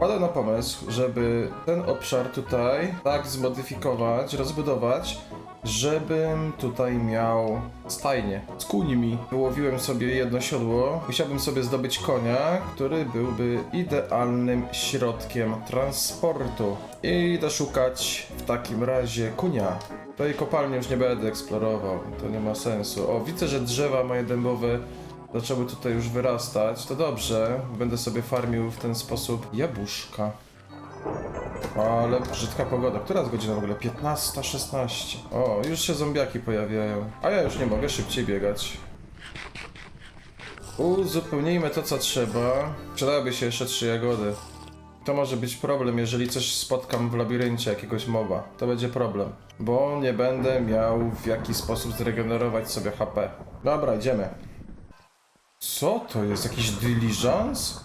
Padłem na pomysł, żeby ten obszar tutaj tak zmodyfikować, rozbudować, żebym tutaj miał stajnię z końmi. Wyłowiłem sobie jedno siodło. Musiałbym sobie zdobyć konia, który byłby idealnym środkiem transportu. I idę szukać w takim razie konia. Tej kopalni już nie będę eksplorował, to nie ma sensu. O, widzę, że drzewa moje dębowe zaczęły tutaj już wyrastać. To dobrze, będę sobie farmił w ten sposób jabłuszka. Ale brzydka pogoda. Która jest godzina w ogóle? 15:16. O, już się zombiaki pojawiają. A ja już nie mogę szybciej biegać. Uzupełnijmy to, co trzeba. Przydałyby się jeszcze 3 jagody. To może być problem, jeżeli coś spotkam w labiryncie, jakiegoś moba. To będzie problem. Bo nie będę miał w jaki sposób zregenerować sobie HP. Dobra, idziemy. Co to jest? Jakiś diligence?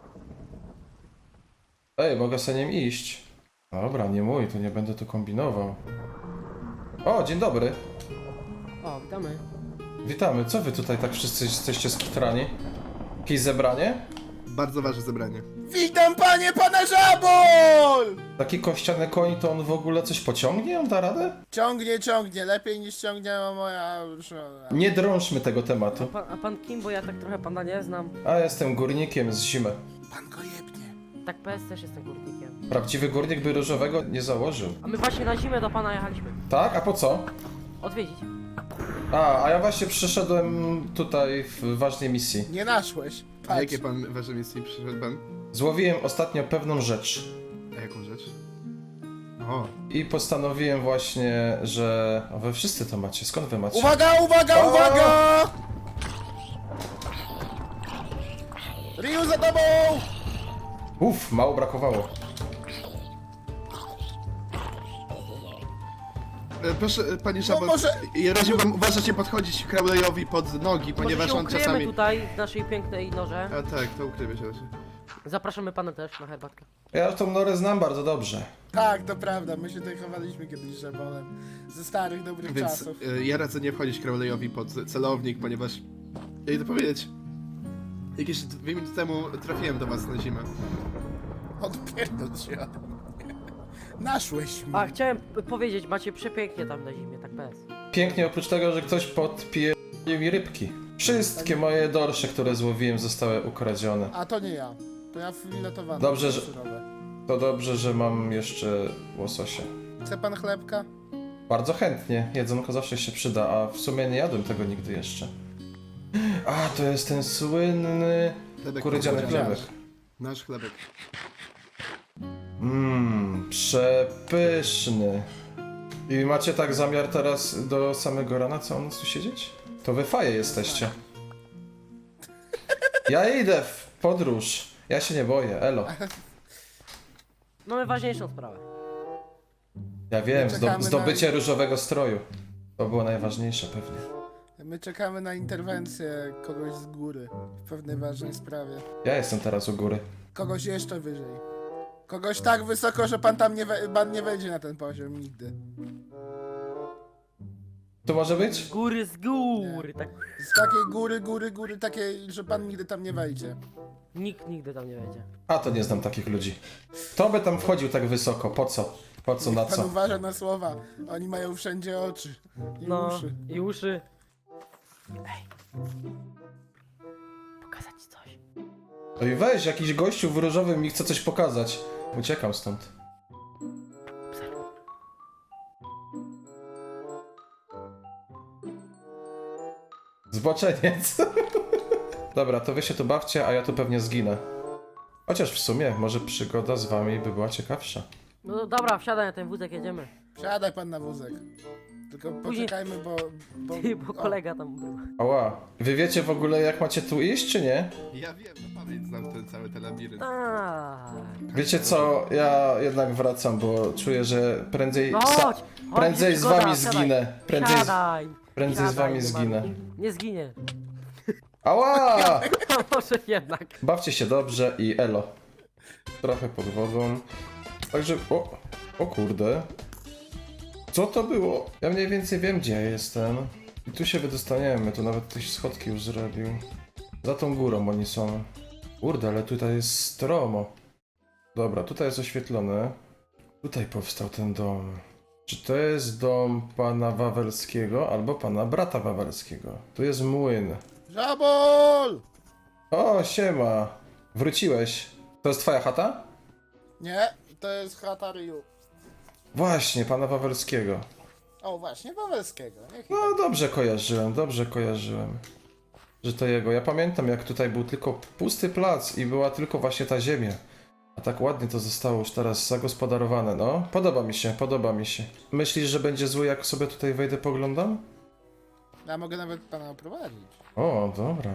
Ej, mogę sobie nim iść. Dobra, nie mój, to nie będę tu kombinował. O, dzień dobry. O, witamy. Witamy. Co wy tutaj tak wszyscy jesteście skitrani? Jakieś zebranie? Bardzo ważne zebranie. Witam panie, pana Żabol! Taki kościany koń, to on w ogóle coś pociągnie? On da radę? Ciągnie, lepiej niż ciągnęła moja żona. Nie drążmy tego tematu. A pan kim? Bo ja tak trochę pana nie znam. A jestem górnikiem z zimy. Pan go jebnie. Tak PS też jestem górnikiem. Prawdziwy górnik by różowego nie założył. A my właśnie na zimę do pana jechaliśmy. Tak? A po co? Odwiedzić. A ja właśnie przyszedłem tutaj w ważnej misji. Nie naszłeś. A Patrz. jakie pan wasze misji przyszedł pan? Złowiłem ostatnio pewną rzecz. A jaką rzecz? O, I postanowiłem właśnie, że... A wy wszyscy to macie, skąd wy macie? Uwaga! O! Uwaga! Ryu za tobą! Uff, mało brakowało. proszę panie Szabot, może- ja radził wam uważać nie podchodzić Crowley'owi pod nogi, Może ponieważ się on ukryjemy czasami... tutaj w naszej pięknej norze. A tak, to ukrywa się raczej. Zapraszamy pana też na herbatkę. Ja tą norę znam bardzo dobrze. Tak, to prawda, my się tutaj chowaliśmy kiedyś z Żabolem. Ze starych, dobrych Więc czasów. ja radzę nie wchodzić Crowley'owi pod celownik, ponieważ... Ja idę powiedzieć... Jakieś 2 minuty temu trafiłem do was na zimę. Odpierdol się ode mnie. Naszłeś mnie. A, chciałem powiedzieć, macie przepięknie tam na zimie, tak PS. Pięknie, oprócz tego, że ktoś podpije mi rybki. Wszystkie moje dorsze, które złowiłem, zostały ukradzione. A to nie ja. To ja filetowany. Dobrze, że- surowe. To dobrze, że mam jeszcze łososia. Chce pan chlebka? Bardzo chętnie, jedzonko zawsze się przyda, a w sumie nie jadłem tego nigdy jeszcze. A, to jest ten słynny Chlebek kurydziany kurydziany. chlebek. Nasz chlebek. Przepyszny. I macie tak zamiar teraz do samego rana całą noc tu siedzieć? To wy faje jesteście. Ja idę w podróż. Ja się nie boję, elo. Mamy ważniejszą sprawę. Ja wiem, Czekamy zdobycie różowego stroju. To było najważniejsze pewnie. My czekamy na interwencję kogoś z góry w pewnej ważnej sprawie. Ja jestem teraz u góry. Kogoś jeszcze wyżej. Kogoś tak wysoko, że pan tam pan nie wejdzie na ten poziom nigdy. Tu może być? Góry z góry, tak. Z takiej góry, takiej, że pan nigdy tam nie wejdzie. Nikt nigdy tam nie wejdzie. A to nie znam takich ludzi. Kto by tam wchodził tak wysoko? Po co? Po co, na Pan co? uważa na słowa. Oni mają wszędzie oczy i No, uszy. i uszy. Ej. Pokazać ci coś. Oj, weź, jakiś gościu w różowym mi chce coś pokazać. Uciekam stąd. Obserwuj. Zboczeniec. Dobra, to wy się tu bawcie, a ja tu pewnie zginę. Chociaż w sumie, może przygoda z wami by była ciekawsza. No dobra, wsiadaj na ten wózek, jedziemy. Wsiadaj pan na wózek. Tylko poczekajmy, bo Ty, bo o, kolega tam był. Ała. Wy wiecie w ogóle jak macie tu iść, czy nie? Ja wiem, na pamięć znam ten cały ten labirynt. Tak. Wiecie co, ja jednak wracam, bo czuję, że prędzej... No chodź! prędzej z przygoda, wami wsiadaj. zginę. Siadaj! Prędzej z Siadaj, wami nie zginę. ma- Nie zginie. Ała! A może jednak. Bawcie się dobrze i elo. Trochę pod wodą. Także... O kurde. Co to było? Ja mniej więcej wiem, gdzie ja jestem. I tu się wydostaniemy. Tu nawet ktoś schodki już zrobił. Za tą górą oni są. Kurde, ale tutaj jest stromo. Dobra, tutaj jest oświetlone. Tutaj powstał ten dom. Czy to jest dom pana Wawelskiego albo pana brata Wawelskiego? Tu jest młyn. Żabol! O, siema. Wróciłeś. To jest twoja chata? Nie, to jest chata Ryu. Właśnie, pana Wawelskiego. O, właśnie, Wawelskiego. Niech No, dobrze kojarzyłem. Że to jego. Ja pamiętam, jak tutaj był tylko pusty plac i była tylko właśnie ta ziemia. A tak ładnie to zostało już teraz zagospodarowane, no. Podoba mi się. Myślisz, że będzie zły, jak sobie tutaj wejdę, poglądam? Ja mogę nawet pana oprowadzić. O, dobra.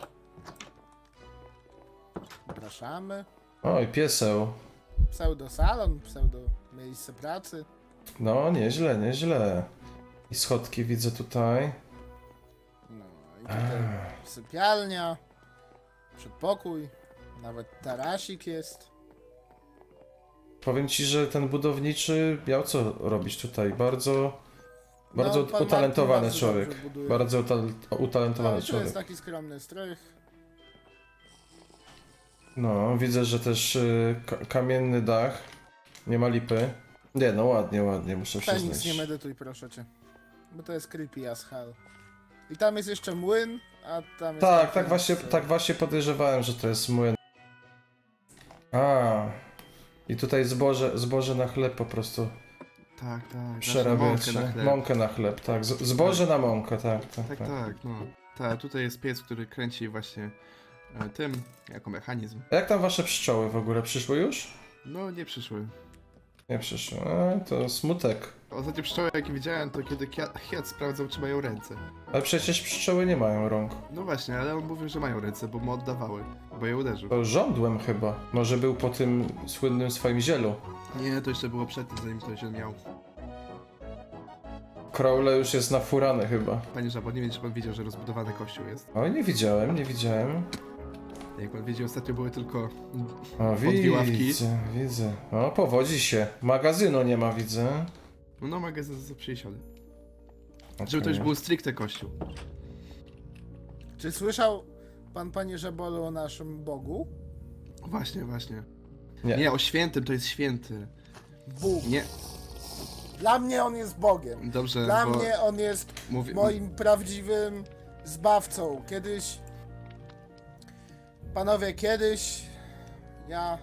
Zapraszamy. Oj, pieseł. Pseudo-salon, pseudo-miejsce pracy. No, nieźle. I schodki widzę tutaj. No i tutaj sypialnia, przedpokój, nawet tarasik jest. Powiem ci, że ten budowniczy miał co robić tutaj. Bardzo No, pan utalentowany Martin człowiek. bardzo buduje. Bardzo utalentowany No, to człowiek. jest taki skromny strych. No, widzę, że też kamienny dach. Nie ma lipy. Nie, no ładnie, muszę Feniks, przyznać. nie medytuj, proszę cię. Bo to jest creepy as hell. I tam jest jeszcze młyn, a tam jest... Tak właśnie podejrzewałem, że to jest młyn. A, i tutaj zboże na chleb po prostu Tak. przerabiacie. Mąkę na chleb. Mąkę na chleb, tak. Zboże na mąkę, tak. Tak, no. Tak, tutaj jest piec, który kręci właśnie tym, jako mechanizm. A jak tam wasze pszczoły w ogóle? Przyszły już? No, nie przyszły. Nie przyszły. To smutek. Ostatnie pszczoły, jakie widziałem, to kiedy Hiat sprawdzał, czy mają ręce. Ale przecież pszczoły nie mają rąk. No właśnie, ale on mówił, że mają ręce, bo mu oddawały, bo je uderzył. To żądłem chyba. Może był po tym słynnym swoim zielu. Nie, to jeszcze było przed tym, zanim to się miał. Crowley już jest nafurany chyba. Panie Żabo, nie wiem, czy pan wiedział, że rozbudowany kościół jest. Oj, nie widziałem. Jak pan wiedział, ostatnio były tylko... O, dwie ławki. widzę. O, powodzi się. Magazynu nie ma, widzę. No, magazyn został przeniesiony. Okay. Żeby to już był stricte kościół. Czy słyszał pan, panie Żabolu, o naszym Bogu? Właśnie. Nie. Nie, o świętym, to jest święty. Bóg. Nie, Dla mnie on jest Bogiem. dobrze, Dla bo... mnie on jest moim prawdziwym zbawcą. Kiedyś... Panowie, ja...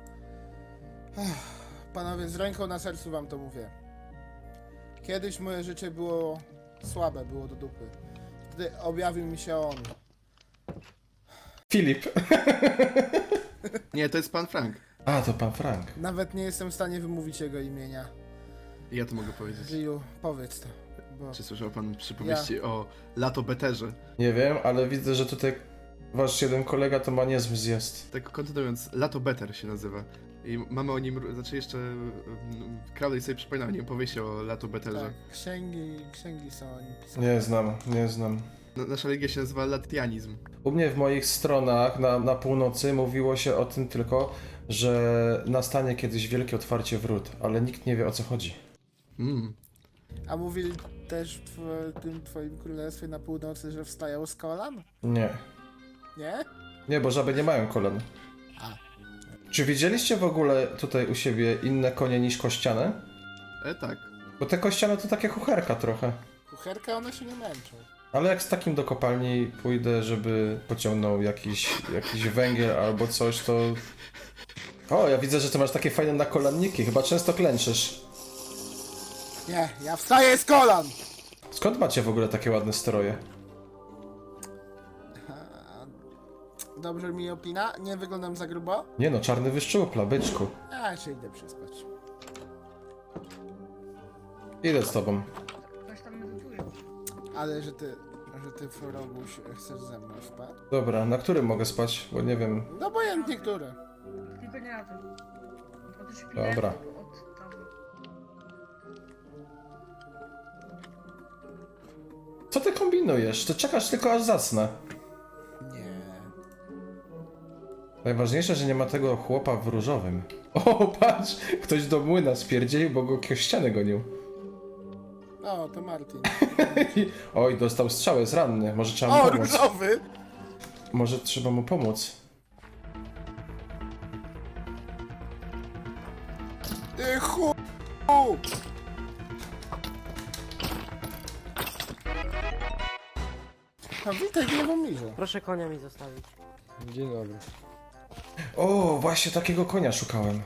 Panowie, z ręką na sercu wam to mówię. Kiedyś moje życie było słabe, było do dupy. Wtedy objawił mi się on. Filip. Nie, to jest pan Frank. A, to pan Frank. Nawet nie jestem w stanie wymówić jego imienia. Ja to mogę powiedzieć. Żyju, powiedz to. Bo... Czy słyszał pan przypowieści o Lato Beterze? Nie wiem, ale widzę, że tutaj wasz jeden kolega to ma niezły zjazd. Tak kontynuując, Lato Beter się nazywa. I mamy o nim, znaczy jeszcze Crowley sobie przypominał o nim powieść o Lato Beterze. Tak, księgi są o nim pisane. Nie znam. Nasza religia się nazywa Latianizm. U mnie w moich stronach na północy mówiło się o tym tylko, że nastanie kiedyś wielkie otwarcie wrót, ale nikt nie wie, o co chodzi. A mówili też w tym twoim królestwie na północy, że wstają z kolan? Nie. Nie? Nie, bo żaby nie mają kolan. A. Czy widzieliście w ogóle tutaj u siebie inne konie niż kościane? Tak. Bo te kościane to takie kucherka trochę. Kucherka, one się nie męczą. Ale jak z takim do kopalni pójdę, żeby pociągnął jakiś węgiel albo coś, to... O, ja widzę, że ty masz takie fajne nakolanniki. Chyba często klęczysz. Nie, ja wstaję z kolan! Skąd macie w ogóle takie ładne stroje? Dobrze mi opina? Nie wyglądam za grubo? Nie no, czarny wyszczupla, byczku. Ja się idę przespać. Idę z tobą. Ktoś tam medytuje. Ale że ty Foroguś, chcesz ze mną spać? Dobra, na którym mogę spać? Bo nie wiem. No obojętnie który. Tylko nie na tym. Od szpiletu, Dobra. od tam. Co ty kombinujesz? Ty czekasz tylko aż zasnę. Nie. Najważniejsze, że nie ma tego chłopa w różowym. O, patrz! Ktoś do młyna spierdzielił, bo go ściany gonił. O, to Martin. Oj, dostał strzał, jest ranny. Może trzeba mu O, pomóc. różowy! Może trzeba mu pomóc. Ty chu... No witaj, nie wam liże. Proszę konia mi zostawić. Dzień dobry. O, właśnie takiego konia szukałem.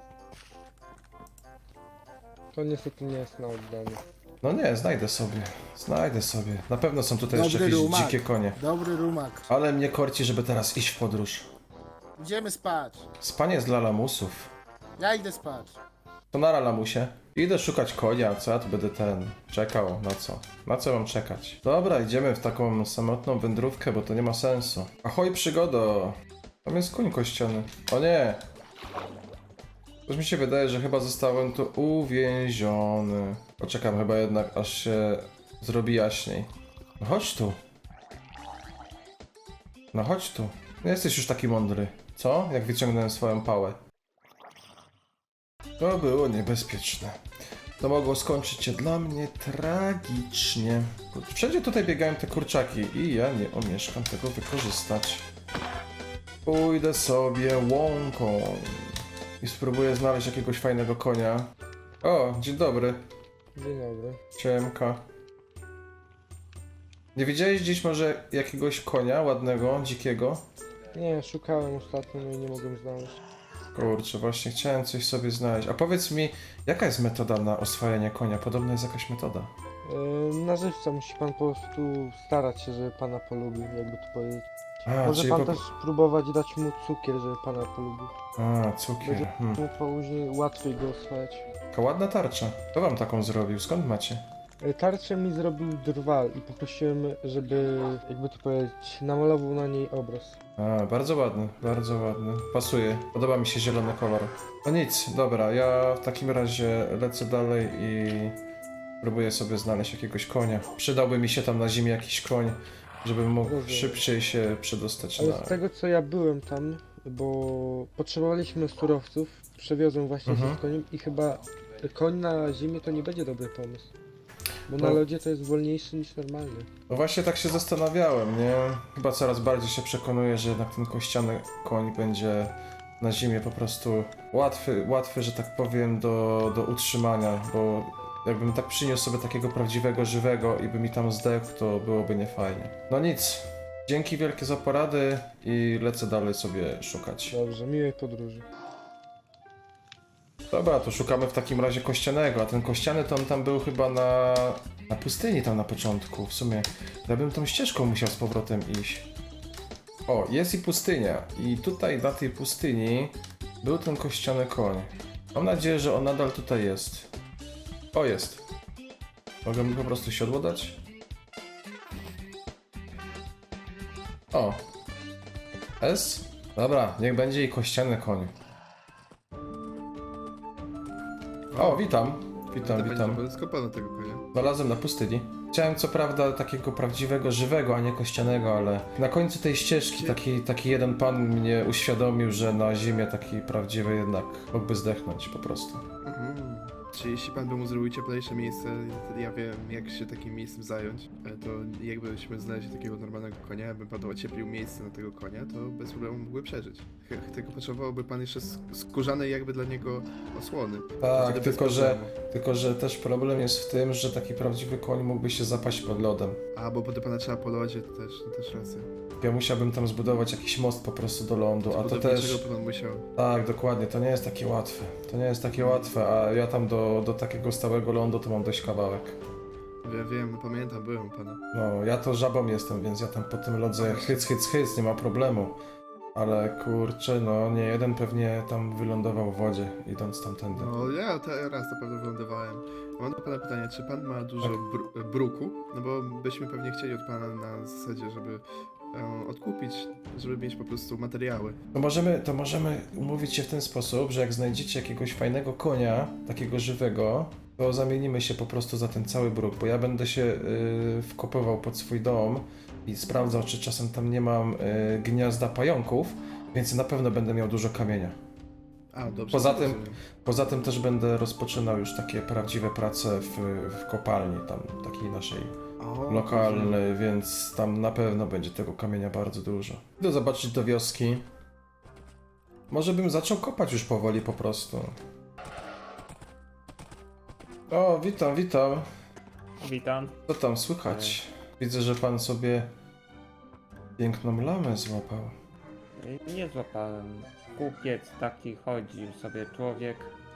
To niestety nie jest na oddanie. No nie, znajdę sobie. Znajdę sobie. Na pewno są tutaj jeszcze Dobry jakieś rumak. dzikie konie. Dobry rumak. Ale mnie korci, żeby teraz iść w podróż. Idziemy spać. Spanie jest dla lamusów. Ja idę spać. To nara lamusie. Idę szukać konia, co ja tu będę czekał, na co? Na co mam czekać? Dobra, idziemy w taką samotną wędrówkę, bo to nie ma sensu. Ahoj przygodo! Tam jest koń kościany. O nie! Coś mi się wydaje, że chyba zostałem tu uwięziony. Poczekam chyba jednak, aż się zrobi jaśniej. No chodź tu. No chodź tu. Nie jesteś już taki mądry. Co? Jak wyciągnąłem swoją pałę. To było niebezpieczne. To mogło skończyć się dla mnie tragicznie. Wszędzie tutaj biegają te kurczaki i ja nie omieszkam tego wykorzystać. Pójdę sobie łąką i spróbuję znaleźć jakiegoś fajnego konia. O, dzień dobry. Dzień dobry. Ciemka. Nie widziałeś dziś może jakiegoś konia ładnego, dzikiego? Nie, szukałem ostatnio, no i nie mogłem znaleźć. Kurczę, właśnie chciałem coś sobie znaleźć. A powiedz mi, jaka jest metoda na oswajanie konia? Podobno jest jakaś metoda. Na żywca musi pan po prostu starać się, żeby pana polubił, jakby to powiedzieć. A, Może czyli pan po... też próbować dać mu cukier, żeby pana polubił. A, cukier. Będzie mu później łatwiej go oswajać. Taka ładna tarcza. Kto wam taką zrobił? Skąd macie? Tarczę mi zrobił drwal i poprosiłem, żeby, jakby to powiedzieć, namalował na niej obraz. A, bardzo ładny, bardzo ładny. Pasuje. Podoba mi się zielony kolor. No nic, dobra, ja w takim razie lecę dalej i próbuję sobie znaleźć jakiegoś konia. Przydałby mi się tam na zimie jakiś koń, żebym mógł Rozumiem. szybciej się przedostać Ale na... z tego co ja byłem tam, bo potrzebowaliśmy surowców, przewiozłem właśnie się Mhm. z koniem i chyba koń na zimie to nie będzie dobry pomysł. Bo na No. lodzie to jest wolniejszy niż normalny. No właśnie tak się zastanawiałem, nie? Chyba coraz bardziej się przekonuję, że jednak ten kościany koń będzie na zimie po prostu łatwy, że tak powiem, do utrzymania, bo jakbym tak przyniósł sobie takiego prawdziwego, żywego i by mi tam zdechł, to byłoby niefajnie. No nic, dzięki wielkie za porady i lecę dalej sobie szukać. Dobrze, miłej podróży. Dobra, to szukamy w takim razie kościanego, a ten kościany to on tam był chyba na pustyni tam na początku. W sumie ja bym tą ścieżką musiał z powrotem iść. O, jest i pustynia. I tutaj na tej pustyni był ten kościany koń. Mam nadzieję, że on nadal tutaj jest. O, jest. Mogę mi po prostu siodło dać? O. S? Dobra, niech będzie i kościany koń. O, witam. Witam. Będzie skopano tego konia. Znalazłem na pustyni. Chciałem co prawda takiego prawdziwego, żywego, a nie kościanego, ale na końcu tej ścieżki taki jeden pan mnie uświadomił, że na zimie taki prawdziwy jednak mógłby zdechnąć po prostu. Mhm. Czy jeśli pan by mu zrobił cieplejsze miejsce, wtedy ja wiem, jak się takim miejscem zająć, to jakbyśmy znaleźli takiego normalnego konia, jakby pan ocieplił miejsce na tego konia, to bez problemu mógłby przeżyć. Tylko potrzebowałby pan jeszcze skórzanej jakby dla niego osłony. Tak, Wtedy bez problemu. tylko że też problem jest w tym, że taki prawdziwy koń mógłby się zapaść pod lodem. A, bo do pana trzeba po lodzie, to też racja. Ja musiałbym tam zbudować jakiś most po prostu do lądu, a to też... Dlaczego pan musiał? Tak, dokładnie, to nie jest takie łatwe. To nie jest takie łatwe, a ja tam do takiego stałego lądu to mam dość kawałek. Wiem, pamiętam, byłem u pana. No, ja to żabą jestem, więc ja tam po tym lodze hyc, nie ma problemu. Ale kurczę, no nie jeden pewnie tam wylądował w wodzie, idąc tamtędy. No, ja raz na pewno wylądowałem. Mam do pana pytanie, czy pan ma dużo bruku? No bo byśmy pewnie chcieli od pana na zasadzie, żeby odkupić, żeby mieć po prostu materiały. To możemy umówić się w ten sposób, że jak znajdziecie jakiegoś fajnego konia, takiego żywego, to zamienimy się po prostu za ten cały bruk, bo ja będę się wkopywał pod swój dom i sprawdzał, czy czasem tam nie mam gniazda pająków, więc na pewno będę miał dużo kamienia. A, dobrze. Poza tym też będę rozpoczynał już takie prawdziwe prace w kopalni, tam takiej naszej lokalnej, więc tam na pewno będzie tego kamienia bardzo dużo. Idę zobaczyć do wioski. Może bym zaczął kopać już powoli po prostu. O, witam, witam. Witam. Co tam słychać? Widzę, że pan sobie piękną lamę złapał. Nie złapałem. Kupiec taki chodził sobie człowiek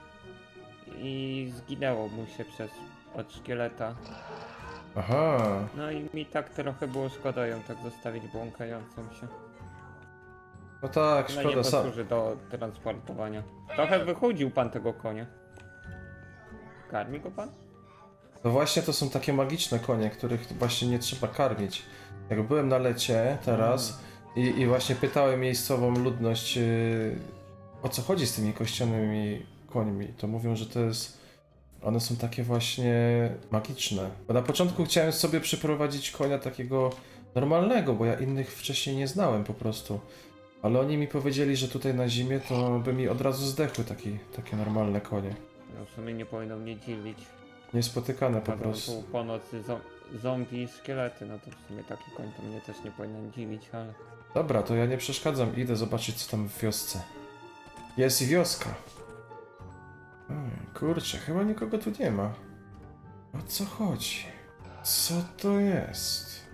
i zginęło mu się od szkieleta. Aha, No i mi tak trochę było szkoda ją tak zostawić błąkającą się. no tak, No nie szkoda, sam. posłuży do transportowania. Trochę wychudził pan tego konia. Karmi go pan? No właśnie to są takie magiczne konie, których właśnie nie trzeba karmić. Jak byłem na lecie teraz i właśnie pytałem miejscową ludność, o co chodzi z tymi kościanymi końmi, to mówią, że to jest... One są takie właśnie magiczne. Bo na początku chciałem sobie przyprowadzić konia takiego normalnego, bo ja innych wcześniej nie znałem po prostu. Ale oni mi powiedzieli, że tutaj na zimie to by mi od razu zdechły takie normalne konie. No w sumie nie powinno mnie dziwić. Niespotykane po Chodzą prostu. tu po nocy zombie i szkielety, no to w sumie taki koń to mnie też nie powinien dziwić, ale... Dobra, to ja nie przeszkadzam, idę zobaczyć co tam w wiosce. Jest i wioska. Kurczę, chyba nikogo tu nie ma. O co chodzi? Co to jest?